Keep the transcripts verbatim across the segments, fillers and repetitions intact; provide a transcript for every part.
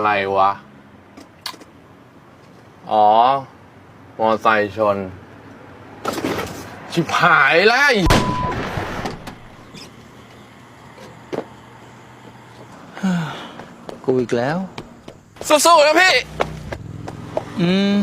อะไรวะ อ๋อ มอไซค์ชน ชิบหายแล้วกูอีกแล้วสู้ๆนะพี่อืม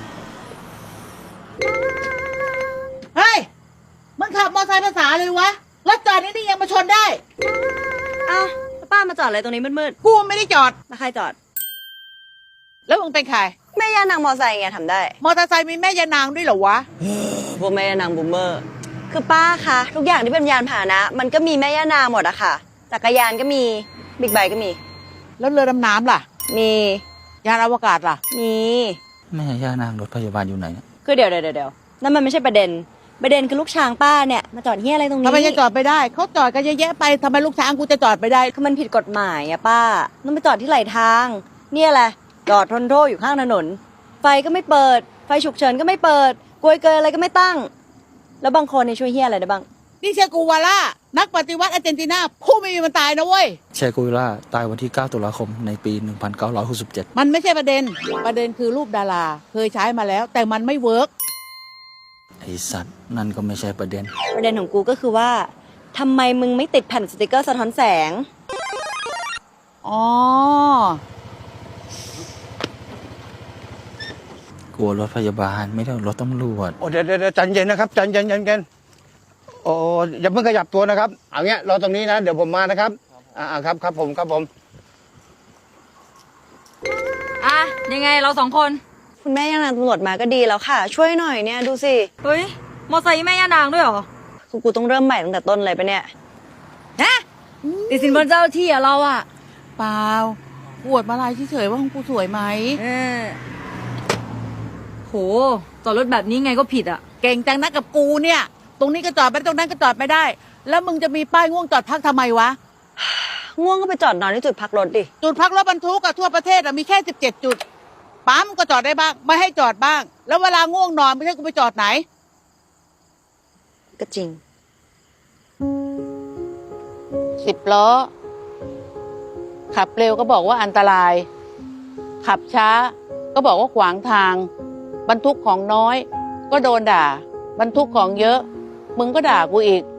เฮ้ย มึงขับมอเตอร์ไซค์ภาษาเลยวะ รถจอดนี่นี่ยังมาชนได้อ้าวแล้วป้ามาจอดอะไรตรงนี้มืดกูไม่ได้จอดๆแล้วใครจอดแล้วมึงเป็นใครแม่ย่านางมอไซค์ไงทำได้มอเตอร์ไซค์มีแม่ยานางด้วยเหรอวะพวกแม่ย่านางบูมเมอร์ คือป้าคะทุกอย่างที่เป็นยานพาหนะ มันก็มีแม่ย่านางหมดอะค่ะ จักรยานก็มี บิ๊กไบค์ก็มีแล้วเรือดำน้ำล่ะมียานอวกาศล่ะมีแม่ย่านางรถพยาบาลอยู่ไหนเนี่ยคือเดี๋ยวเดี๋ยวเดี๋ยวนั่นมันไม่ใช่ประเด็น ประเด็นคือลูกช้างป้าเนี่ยมาจอดเฮียอะไรตรงนี้ทำไมจะจอดไปได้ เขาจอดกันเยอะแยะไปทำไมลูกช้างกูจะจอดไปได้คือมันผิดกฎหมายอะป้า ต้องไปจอดที่ไหลทาง เนี่ยแหละจอดทนโทษอยู่ข้างถนน ไฟก็ไม่เปิด ไฟฉุกเฉินก็ไม่เปิดกลวยเกยอะไรก็ไม่ตั้ง แล้วบางคนเนี่ยช่วยเฮียอะไรได้บ้างนี่เชกูวาล่า นักปฏิวัติอาร์เจนตินาผู้ไม่มีวันตายนะเว้ยเชกุยล่าตายวันที่ เก้า ตุลาคม ในปี หนึ่งพันเก้าร้อยหกสิบเจ็ดมันไม่ใช่ประเด็น ประเด็นคือรูปดารา เคยใช้มาแล้ว แต่มันไม่เวิร์กไอสัตว์ นั่นก็ไม่ใช่ประเด็นประเด็นของกูก็คือว่าทำไมมึงไม่ติดแผ่นสติกเกอร์สะท้อนแสงอ๋อกลัวรถพยาบาลไม่ได้รถตำรวจโอ้เดี๋ยวเดี๋ยวใจเย็นนะครับใจเย็นใจเย็นโอ้อย่าเพิ่งขยับตัวนะครับเอาเงี้ยรอตรงนี้นะเดี๋ยวผมมานะครับอ่าครับครับผมครับผมอ่ะยังไงเราสองคนคุณแม่ย่านางตำรวจมาก็ดีแล้วค่ะ ช่วยหน่อยเนี่ยดูสิเฮ้ย มอไซค์แม่ย่านางด้วยเหรอคือกูต้องเริ่มใหม่ตั้งแต่ต้นเลยปะเนี่ยฮะติดสินบนเจ้าที่อะเราอะเปล่าปวดมาลายเฉยๆว่าของกูสวยไหมเออโหจอดรถแบบนี้ไงก็ผิดอะเก่งจังนะกับกูเนี่ย ตรงนี้ก็จอดไม่ได้ตรงนั้นก็จอดไม่ได้ แล้วมึงจะมีป้ายง่วงจอดพักทำไมวะง่วงก็ไปจอดนอนที่จุดพักรถดิจุดพักรถบรรทุกอะทั่วประเทศอะมีแค่สิบเจ็ดจุด ปั๊มก็จอดได้บ้าง ไม่ให้จอดบ้าง แล้วเวลาง่วงนอนไม่ใช่กูไปจอดไหนก็จริงสิบล้อ ขับเร็วก็บอกว่าอันตราย ขับช้า ก็บอกว่าขวางทาง บรรทุกของน้อย ก็โดนด่า บรรทุกของเยอะ มึงก็ด่ากูอีก